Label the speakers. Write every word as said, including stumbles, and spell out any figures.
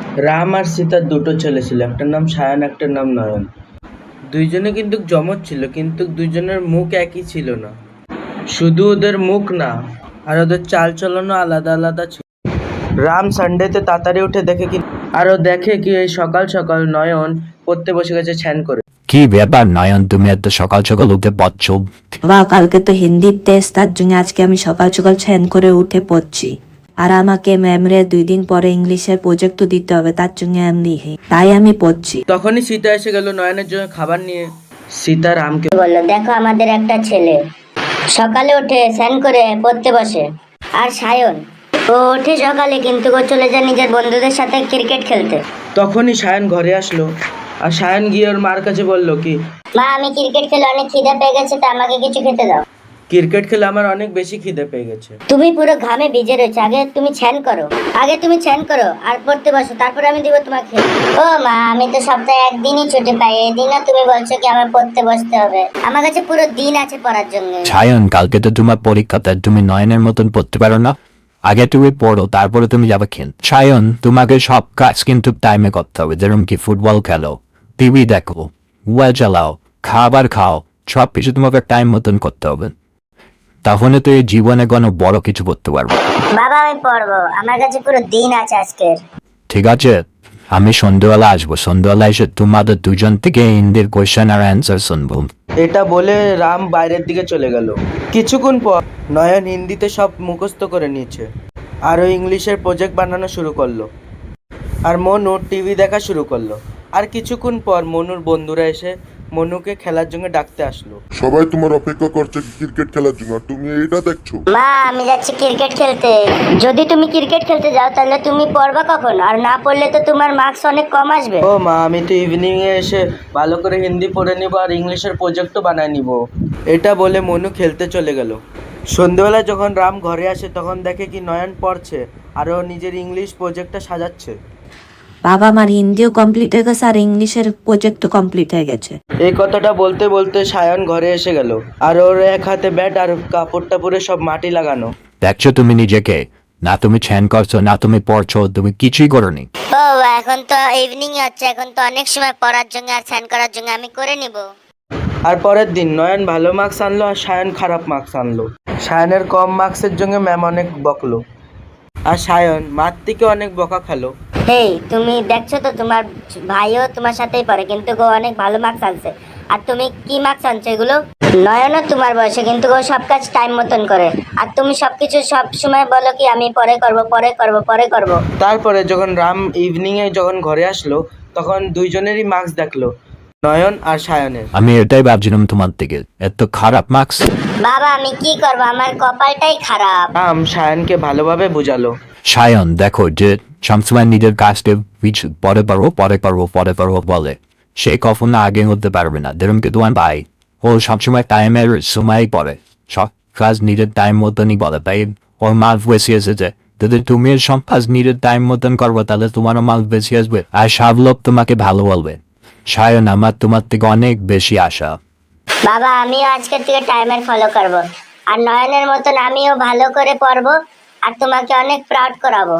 Speaker 1: রাম আর সীতার দুটো ছেলে ছিল, একটার নাম সায়ন, একটার নাম নয়ন। দুইজনে কিন্তু যমজ ছিল, কিন্তু দুইজনের মুখ একই ছিল না। শুধু ওদের মুখ না, আর ওদের চাল চলনও আলাদা আলাদা ছিল। রাম সানডেতে তাড়াতাড়ি উঠে দেখে কি আরো দেখে কি এই সকাল সকাল নয়ন পড়তে বসে গেছে ছ্যান করে।
Speaker 2: কি ব্যাপার নয়ন, তুমি এত সকাল সকাল উঠে পড়ছ?
Speaker 3: বাবা, কালকে তো হিন্দির টেস্ট, তার জন্য আজকে আমি সকাল সকাল ছ্যান করে উঠে পড়ছি। আর আমাকে ম্যামরে দুই দিন পরে ইংলিশের প্রজেক্ট দিতে হবে, তার জন্য আমি তাই আমি পড়ছি।
Speaker 1: তখনই সীতা এসে গেল নয়নের জন্য খাবার নিয়ে। সীতা রামকে
Speaker 4: বললো, দেখো আমাদের একটা ছেলে সকালে উঠে স্নান করে পড়তে বসে। আর সায়ন, ও ওঠে সকালে কিন্তু ও চলে যায় নিজের বন্ধুদের সাথে ক্রিকেট খেলতে।
Speaker 1: তখনই সায়ন ঘরে আসলো, আর সায়ন গিয়ে ওর মার কাছে বলল কি,
Speaker 4: মা, আমি ক্রিকেট খেলে অনেক খিদে পেয়ে গেছে, তা আমাকে কিছু খেতে দাও।
Speaker 1: ক্রিকেট খেলে আমার অনেক বেশি খিদে পেয়ে গেছে।
Speaker 4: তুমি পুরো ঘামে ভিজে রয়েছে, আগে তুমি ছ্যান করো, আগে তুমি ছ্যান করো আর পড়তে বসো, তারপরে আমি দিব তোমাকে। ও মা, আমি তো সপ্তাহে একদিনই ছুটি পাই, এদিনও তুমি বলছো কি আমার পড়তে বসতে হবে? আমার কাছে পুরো দিন আছে পড়ার জন্য।
Speaker 2: সায়ন, কালকে তো তোমার পরীক্ষা, তাই তুমি নয়নের মতন পড়তে পারো না। আগে তুমি পড়ো, তারপরে তুমি যাবে খেল। সায়ন, তোমাকে সব কাজ কিন্তু টাইমে করতে হবে, যেরকম কি ফুটবল খেলো, টিভি দেখো, মোবাইল চালাও, খাবার খাও, সব কিছু তোমাকে টাইম মতন করতে হবে। তাহলে তো এই জীবনে কোনো বড় কিছু করতে পারবে।
Speaker 4: বাবা, আমি পড়বো, আমার কাছে পুরো দিন আছে আজকের।
Speaker 2: ঠিক আছে, আমি সন্ধ্যাবেলা আসবো। সন্ধ্যাবেলা এসে তোমাদের দুজন থেকে হিন্দির কোয়েশ্চেন আর অ্যান্সার শুনবো।
Speaker 1: এটা বলে রাম বাইরের দিকে চলে গেল। কিছুক্ষণ পর নয়ন হিন্দিতে সব মুখস্থ করে নিয়েছে, আর ও ইংলিশের প্রজেক্ট বানানো শুরু করলো। আর মনু টিভি দেখা শুরু করলো। আর কিছুক্ষণ পর মনুর বন্ধুরা এসে মনুকে খেলার জন্য ডাকতে আসলো।
Speaker 5: সবাই তোমার অপেক্ষা করছে ক্রিকেট খেলার জন্য, আর তুমি এটা দেখছো।
Speaker 4: মা, আমি যাচ্ছি ক্রিকেট খেলতে। যদি তুমি ক্রিকেট খেলতে যাও তাহলে তুমি পড়বা কখন? আর না পড়লে তো তোমার মার্কস অনেক কম আসবে।
Speaker 1: ও মা, আমি তো ইভিনিং এ এসে ভালো করে হিন্দি পড়ে নিব আর ইংলিশের প্রজেক্টও বানায় নিব। এটা বলে মনু খেলতে চলে গেল। সন্ধ্যেবেলা যখন রাম ঘরে আসে তখন দেখে কি নয়ন পড়ছে আর ও নিজের ইংলিশ প্রজেক্টটা সাজাচ্ছে।
Speaker 3: বাবা, আমার হিন্দিও কমপ্লিট হয়ে গেছে আর ইংলিশের প্রজেক্ট কমপ্লিট হয়ে গেছে।
Speaker 1: এই কথাটা বলতে বলতে সায়ন ঘরে এসে গেল, আর ওর এক হাতে ব্যাট আর কাপড় টাপড়ে সব মাটি লাগানো।
Speaker 2: দেখছো তুমি নিজেকে? না তুমি ছ্যান করছো, না তুমি পড়ছো, তুমি কিছুই করোনি।
Speaker 4: ও, এখন তো ইভিনিং হচ্ছে, এখন তো অনেক সময় পড়ার জন্য আর স্নান করার জন্য, আমি করে নিব।
Speaker 1: আর পরের দিন নয়ন ভালো মার্কস আনলো আর সায়ন খারাপ মার্কস আনলো। সায়নের কম মার্কসের জন্য ম্যাম অনেক বকলো, আর সায়ন মার থেকে অনেক বকা খালো।
Speaker 4: হেই, তুমি দেখছো তো তোমার ভাইও তোমার সাথেই পড়ে, কিন্তু ও অনেক ভালো মার্কস আনছে, আর তুমি কি মার্কস আনছো এগুলো? নয়নও তোমার বয়সে, কিন্তু ও সব কাজ টাইম মতন করে, আর তুমি সবকিছু সব সময় বলো কি আমি পরে করব পরে করব পরে করব।
Speaker 1: তারপরে যখন রাম ইভিনিং এ যখন ঘরে আসলো তখন দুইজনেরই মার্কস দেখলো, নয়ন আর সায়নের।
Speaker 2: আমি এটাই ভাবছিলাম তোমার থেকে, এত খারাপ মার্কস।
Speaker 4: বাবা, আমি কি করব, আমার কপালটাই খারাপ।
Speaker 1: রাম সায়নকে ভালোভাবে বোঝালো।
Speaker 2: সায়ন, দেখো যে সবসময় নিজের কাজকে পিছ- পরে পারবো পরে পারবো পরে পারবো বলে, সে কখনো আগে হতে পারবে না। যেরকম কি তোমার ভাই, ও সবসময় টাইমের সময় পড়ে, সব কাজ নিজের টাইম মতনই বলে, তাই ওর মার্ক বেশি এসেছে। যদি তুমি সব কাজ নিজের টাইম মতন করবো তাহলে তোমারও মার্ক বেশি আসবে, আর সব লোক তোমাকে ভালো বলবে। সায়ন, আমার তোমার থেকে অনেক বেশি আশা।
Speaker 4: বাবা, আমিও আজকের থেকে টাইমার ফলো করব, আর নয়নের মতন আমিও ভালো করে পড়বো, আর তোমাকে অনেক প্রাউড করাবো।